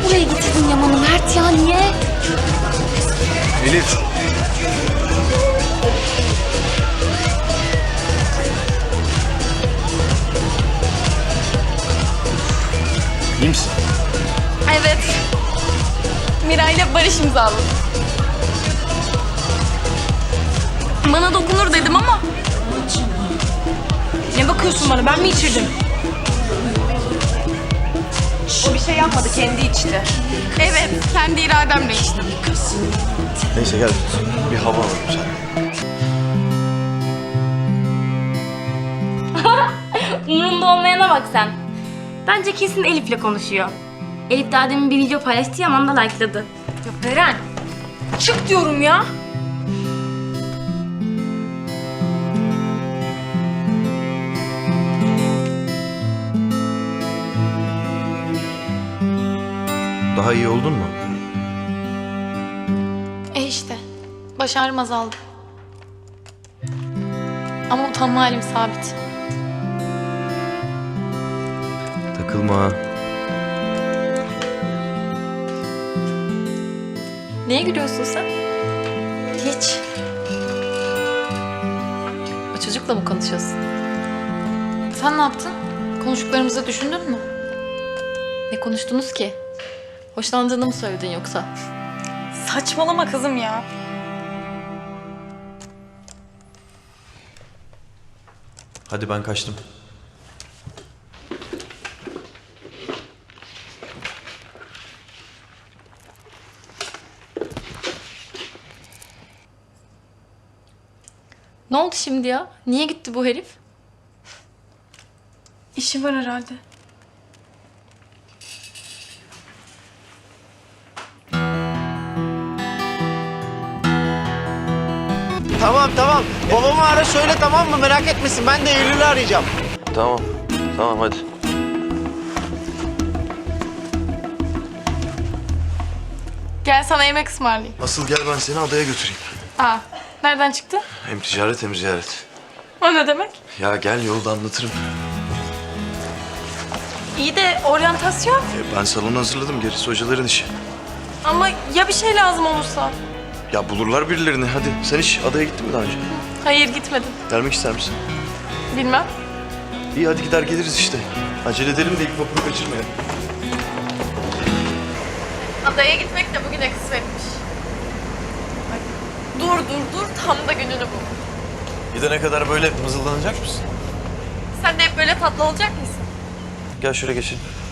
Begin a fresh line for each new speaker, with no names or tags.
buraya getirdin Yaman'ı Mert ya niye?
Elif. İyi misin?
Evet. Miray'la barış imzaladım. Bana dokunur dedim ama.
Ne bakıyorsun bana? Ben mi içirdim? O bir şey yapmadı, kendi içti.
Evet, kendi irademle içtim.
Neyse gel. Bir hava alalım sen.
Umurunda olmayana bak sen. Bence kesin Elif'le konuşuyor. Elif daha demin bir video paylaştı ya, Yaman da like'ladı.
Ya Beren, çık diyorum ya.
Daha iyi oldun mu?
İşte, baş ağrım azaldı. Ama utanma halim sabit.
Takılma.
Niye gülüyorsun sen?
Hiç. O çocukla mı konuşuyorsun?
Sen ne yaptın? Konuştuklarımızı düşündün mü?
Ne konuştunuz ki? Hoşlandığını mı söyledin yoksa?
Saçmalama kızım ya.
Hadi ben kaçtım.
Ne oldu şimdi ya? Niye gitti bu herif?
İşi var herhalde.
Tamam. Babamı ara söyle, tamam mı? Merak etmesin. Ben de Eylül'ü arayacağım.
Tamam hadi.
Gel sana yemek ısmarlayayım.
Asıl gel ben seni adaya götüreyim.
Aa, nereden çıktı?
Hem ticaret hem ziyaret.
O ne demek?
Ya gel yolda anlatırım.
İyi de oryantasyon.
Ben salonu hazırladım. Gerisi hocaların işi.
Ama ya bir şey lazım olursa?
Ya bulurlar birilerini. Hadi sen hiç adaya gittin mi daha önce?
Hayır gitmedim.
Gelmek ister misin?
Bilmem.
İyi hadi gider geliriz işte. Acele edelim de ilk vapuru kaçırmayalım.
Adaya gitmek de bugüne kısmetmiş. Ay, dur. Tam da gününü bul.
Gidene kadar böyle mızıldanacak mısın?
Sen de hep böyle tatlı olacak mısın?
Gel şöyle geçelim.